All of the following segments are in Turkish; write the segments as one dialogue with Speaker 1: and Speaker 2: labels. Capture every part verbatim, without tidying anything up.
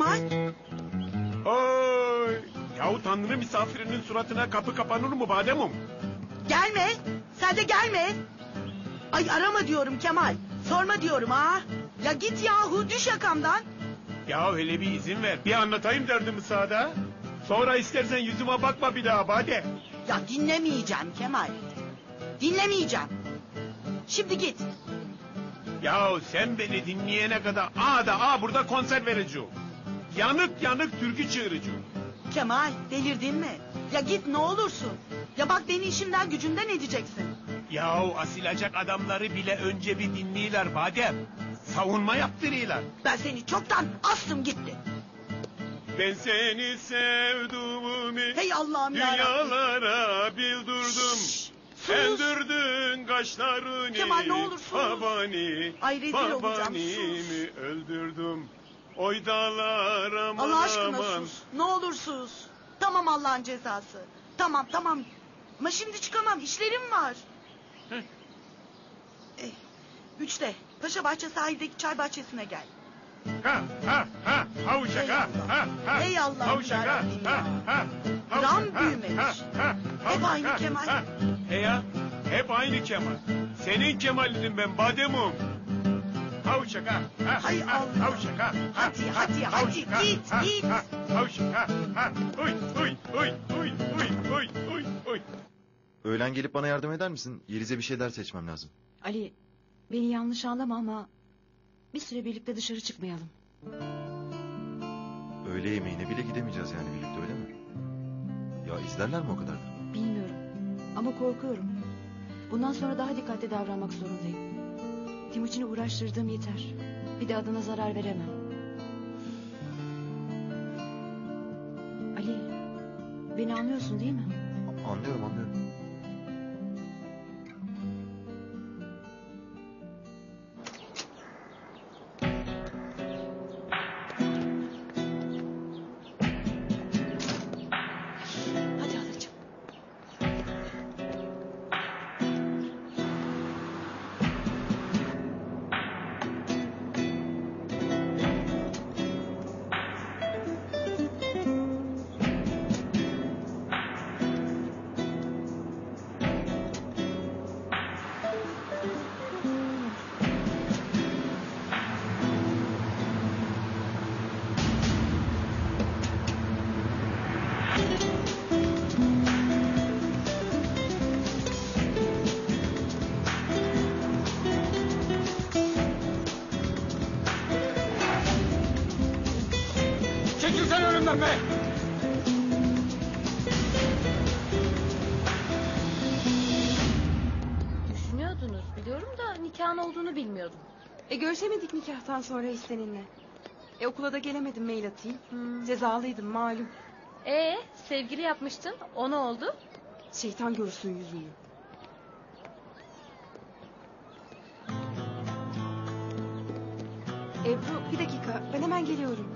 Speaker 1: Kemal.
Speaker 2: Oy! Yahu Tanrı misafirinin suratına kapı kapanır mı Bademum?
Speaker 1: Gelme. Sen de gelme. Ay arama diyorum Kemal. Sorma diyorum ha. Ya git yahu, düş yakamdan.
Speaker 2: Ya hele bir izin ver. Bir anlatayım derdimi sağda. Sonra istersen yüzüme bakma bir daha Bade.
Speaker 1: Ya dinlemeyeceğim Kemal. Dinlemeyeceğim. Şimdi git.
Speaker 2: Ya sen beni dinleyene kadar aa da aa burada konser vereceğim. Yanık yanık türkü çığıracağım.
Speaker 1: Kemal, delirdin mi? Ya git ne olursun. Ya bak beni işimden gücümden edeceksin.
Speaker 2: Yahu asilacak adamları bile önce bir dinliyorlar Badem. Savunma yaptırıyorlar.
Speaker 1: Ben seni çoktan astım gitti.
Speaker 2: Ben seni sevduğumu
Speaker 1: Hey Allah'ım yarabbim.
Speaker 2: dünyalara bildirdim.
Speaker 1: Şşş, sus.
Speaker 2: Endürdün kaşlarını.
Speaker 1: Kemal, ne olur sus.
Speaker 2: Babani,
Speaker 1: Ay, rezil olacağım,
Speaker 2: babanimi
Speaker 1: sus.
Speaker 2: öldürdüm. Oy dağlar aman
Speaker 1: Allah aşkına
Speaker 2: aman.
Speaker 1: sus. Ne olur sus. Tamam Allah'ın cezası. Tamam tamam. Ama şimdi çıkamam. İşlerim var.
Speaker 2: Heh.
Speaker 1: Eh, üçte. Paşa Bahçe sahildeki çay bahçesine gel.
Speaker 2: Ha ha ha. Havuşak ha ha ha.
Speaker 1: Ey Allah'ım
Speaker 2: Havuşak ha
Speaker 1: yarabbim
Speaker 2: ha
Speaker 1: ya.
Speaker 2: ha.
Speaker 1: Gram
Speaker 2: Havuşak, ha,
Speaker 1: büyümemiş.
Speaker 2: ha, ha.
Speaker 1: Hep
Speaker 2: Havuşak,
Speaker 1: aynı
Speaker 2: ha,
Speaker 1: Kemal.
Speaker 2: ha. He ya. Hep aynı Kemal. Senin Kemal'in ben Bademum. Havuşak ha. ha,
Speaker 1: Hay
Speaker 2: ha,
Speaker 1: Allah.
Speaker 2: Havuşak ha.
Speaker 1: Hadi,
Speaker 2: ha,
Speaker 1: hadi,
Speaker 2: ha,
Speaker 1: hadi,
Speaker 2: havuşak, ha,
Speaker 1: git,
Speaker 2: ha,
Speaker 1: git.
Speaker 2: ha. Havuşak ha ha. Uy uy uy uy uy uy uy uy.
Speaker 3: Öğlen gelip bana yardım eder misin? Yeliz'e bir şeyler seçmem lazım.
Speaker 4: Ali, beni yanlış anlama ama bir süre birlikte dışarı çıkmayalım.
Speaker 3: Öğle yemeğine bile gidemeyeceğiz yani birlikte, öyle mi? Ya izlerler mi o kadar da?
Speaker 4: Bilmiyorum ama korkuyorum. Bundan sonra daha dikkatli davranmak zorundayım. Timuçin'i uğraştırdığım yeter. Bir de adına zarar veremem. Ali, beni anlıyorsun değil mi?
Speaker 3: Anlıyorum anlıyorum.
Speaker 4: Hadi halacığım.
Speaker 2: Çekilsen önümden be.
Speaker 5: Düşünüyordunuz biliyorum da nikahın olduğunu bilmiyordum.
Speaker 6: E görüşemedik nikahtan sonra hiç seninle. E okula da gelemedim, mail atayım.
Speaker 5: Hmm.
Speaker 6: Cezalıydım malum.
Speaker 5: Ee, sevgili yapmıştın. O ne oldu?
Speaker 6: Şeytan görsün yüzünü. Ebru bir dakika, ben hemen geliyorum.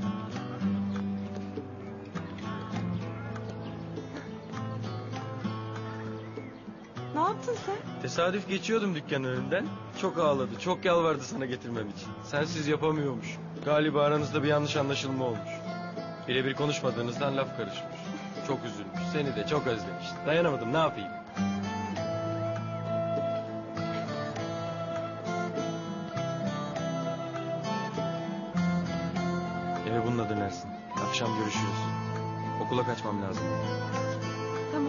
Speaker 6: Ne yaptın sen?
Speaker 7: Tesadüf geçiyordum dükkanın önünden. Çok ağladı, çok yalvardı sana getirmem için. Sensiz yapamıyormuş. Galiba aranızda bir yanlış anlaşılma olmuş. Birebir konuşmadığınızdan laf karışmış. Çok üzülmüş, seni de çok özlemiş. Dayanamadım, ne yapayım? Eve bununla dönersin. Akşam görüşürüz. Okula kaçmam lazım.
Speaker 6: Tamam.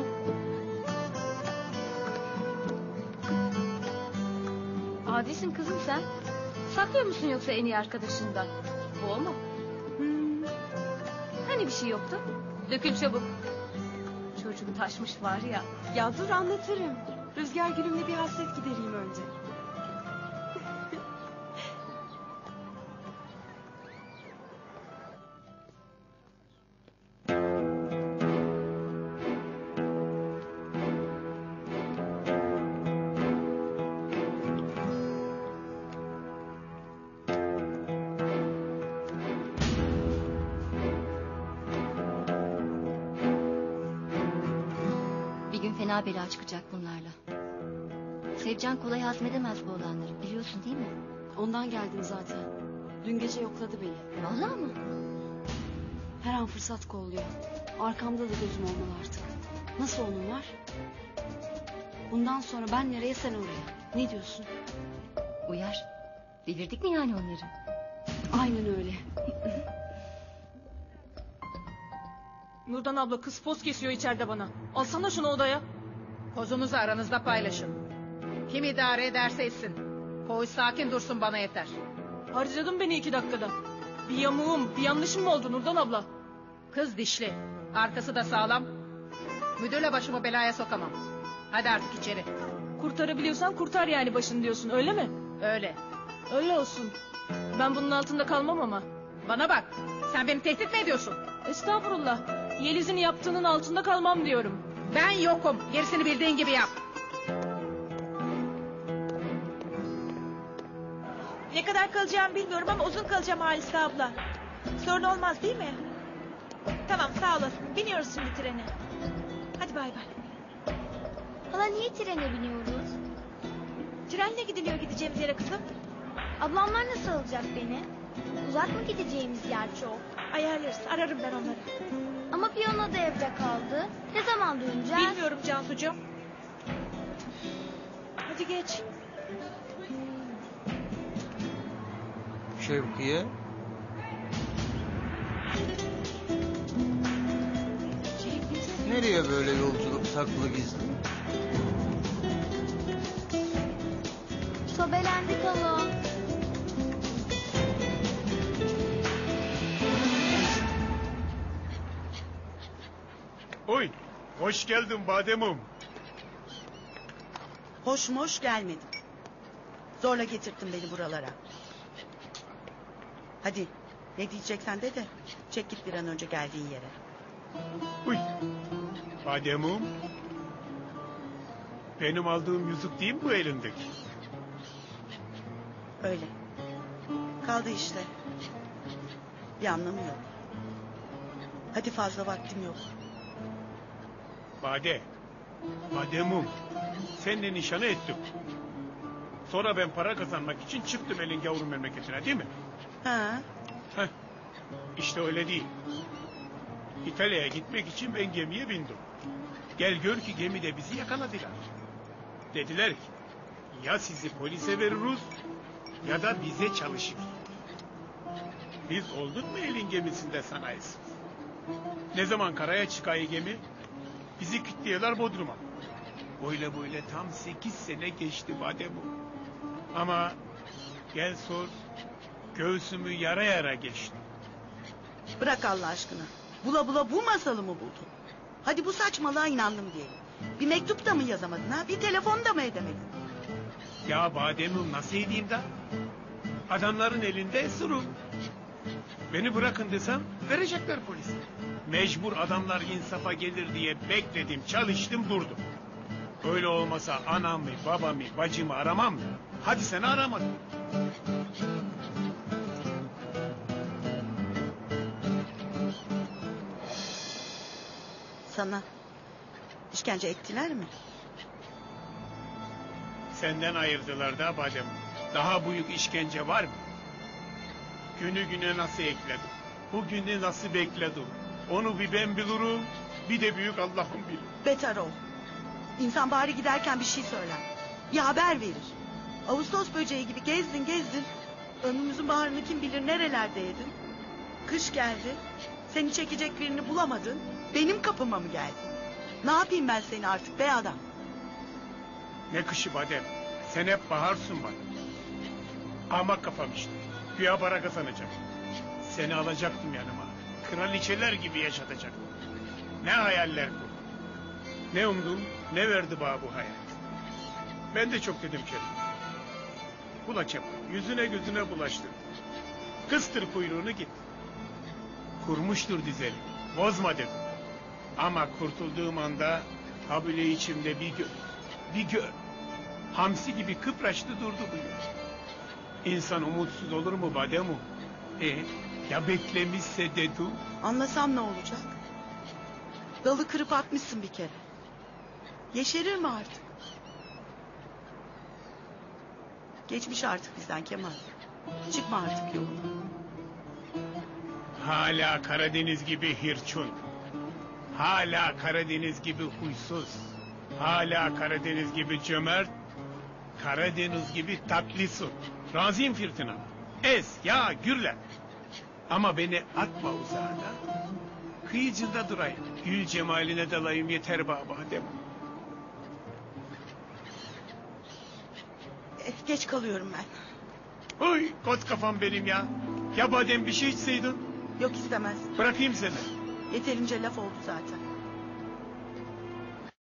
Speaker 5: Adisin kızım sen. Saklıyor musun yoksa en iyi arkadaşından? Bu o mu?
Speaker 6: Hmm.
Speaker 5: Hani bir şey yoktu? Dökül çabuk. Çocuğum taşmış var ya.
Speaker 6: Ya dur anlatırım. Rüzgar gülümle bir hasret gidereyim önce.
Speaker 8: Bir gün fena bela çıkacak bunlarla. Sevcan kolay hazmedemez bu olanları, biliyorsun değil mi?
Speaker 6: Ondan geldim zaten. Dün gece yokladı beni.
Speaker 8: Vallahi mı?
Speaker 4: an fırsat kolluyor. Arkamda da gözüm olmalı artık. Nasıl onunlar? Bundan sonra ben nereye sen oraya. Ne diyorsun?
Speaker 8: Uyar. Devirdik mi yani onları?
Speaker 4: Aynen öyle.
Speaker 9: Nurdan abla kız poz kesiyor içeride bana. Alsana şunu odaya.
Speaker 10: Kozumuzu aranızda paylaşın. Kim idare ederse etsin. Koğuş sakin dursun bana yeter.
Speaker 9: Harcadın beni iki dakikada. Bir yamuğum, bir yanlışım mı oldu Nurdan abla?
Speaker 10: Kız dişli. Arkası da sağlam. Müdürle başımı belaya sokamam. Hadi artık içeri.
Speaker 9: Kurtarabiliyorsan kurtar yani başını diyorsun öyle mi?
Speaker 10: Öyle.
Speaker 9: Öyle olsun. Ben bunun altında kalmam ama.
Speaker 10: Bana bak. Sen beni tehdit mi ediyorsun?
Speaker 9: Estağfurullah. Yeliz'in yaptığının altında kalmam diyorum.
Speaker 10: Ben yokum. Gerisini bildiğin gibi yap.
Speaker 11: Ne kadar kalacağımı bilmiyorum ama uzun kalacağım Halise abla. Sorun olmaz değil mi? Tamam sağ olasın. Biniyoruz şimdi trene. Hadi bay bay.
Speaker 12: Hala niye trene biniyoruz?
Speaker 11: Trenle gidiliyor gideceğimiz yere kızım.
Speaker 12: Ablamlar nasıl alacak beni? Uzak mı gideceğimiz yer çok?
Speaker 11: Ayarlarız. Ararım ben onları.
Speaker 12: Ama piyano da evde kaldı. Ne zaman döneceğiz?
Speaker 11: Bilmiyorum Cansucuğum. Hadi geç.
Speaker 13: Şevkiye. Nereye böyle yolculuk saklı gizli?
Speaker 12: Sobelendik hala.
Speaker 2: Oy, hoş geldin Bademum.
Speaker 1: Hoş moş gelmedim. Zorla getirttin beni buralara. Hadi ne diyeceksen de de çek git bir an önce geldiğin yere.
Speaker 2: Uy, Bademum. Benim aldığım yüzük değil mi bu elindeki?
Speaker 1: Öyle. Kaldı işte. Bir anlamı yok. Hadi fazla vaktim yok.
Speaker 2: Bade, Bademum. Seninle nişanı ettim. Sonra ben para kazanmak için çıktım elin yavrum memleketine değil mi?
Speaker 1: Ha?
Speaker 2: Heh, işte öyle değil. İtalya'ya gitmek için ben gemiye bindim. Gel gör ki gemide bizi yakaladılar. Dediler ki ya sizi polise veririz ya da bize çalışır. Biz olduk mu elin gemisinde sanayisiz? Ne zaman karaya çıkayı gemi? Bizi kilitliyorlar Bodrum'a. Böyle böyle tam sekiz sene geçti Bademum. Ama gel sor göğsümü yara yara geçti.
Speaker 1: Bırak Allah aşkına. Bula bula bu masalı mı buldun? Hadi bu saçmalığa inandım diyelim. Bir mektup da mı yazamadın ha? Bir telefon da mı edemedin?
Speaker 2: Ya Bademum nasıl edeyim da? Adamların elinde esirüm. Beni bırakın desem verecekler polise. Mecbur adamlar insafa gelir diye bekledim, çalıştım, durdum. Öyle olmasa anamı, babamı, bacımı aramam mı? Hadi seni aramadım.
Speaker 1: Sana işkence ettiler mi?
Speaker 2: Senden ayırdılar da Bademum. Daha büyük işkence var mı? Günü güne nasıl ekledim? Bugünü nasıl bekledim? Onu bir ben bilirim, bir de büyük Allah'ım bilir.
Speaker 1: Beter ol. İnsan bari giderken bir şey söyler. Bir haber verir. Ağustos böceği gibi gezdin gezdin. Ömrümüzün baharını kim bilir nerelerdeydin. Kış geldi. Seni çekecek birini bulamadın. Benim kapıma mı geldin? Ne yapayım ben seni artık be adam?
Speaker 2: Ne kışı Badem? Sen hep baharsın bana. Ama kafam işte. Güya para kazanacağım. Seni alacaktım yanıma. Kraliçeler gibi yaşatacaktım. Ne hayaller bu. Ne umdum, ne verdi bana bu hayat. Ben de çok dedim kendime. Bula Kemal, yüzüne gözüne bulaştır. Kıstır kuyruğunu git. Kurmuştur dizeli, bozma dedim. Ama kurtulduğum anda habile içimde bir gör, bir gör. Hamsi gibi kıpraştı durdu bu gör. İnsan umutsuz olur mu Bademum? E, ya beklemişse dedim.
Speaker 1: Anlasam ne olacak? Dalı kırıp atmışsın bir kere. Yeşerir mi artık? Geçmiş artık bizden Kemal. Çıkma artık yoluna.
Speaker 2: Hala Karadeniz gibi hirçun. Hala Karadeniz gibi huysuz. Hala Karadeniz gibi cömert. Karadeniz gibi tatlısun. Razıyım Firtina. Ez, ya, gürle. Ama beni atma uzağına. Kıyıcında durayım. Gül cemaline dalayım yeter baba Adem.
Speaker 1: Eh, geç kalıyorum ben.
Speaker 2: Oy, koz kafam benim ya. Ya badem bir şey içseydin.
Speaker 1: Yok istemez.
Speaker 2: Bırakayım seni.
Speaker 1: Yeterince laf oldu zaten.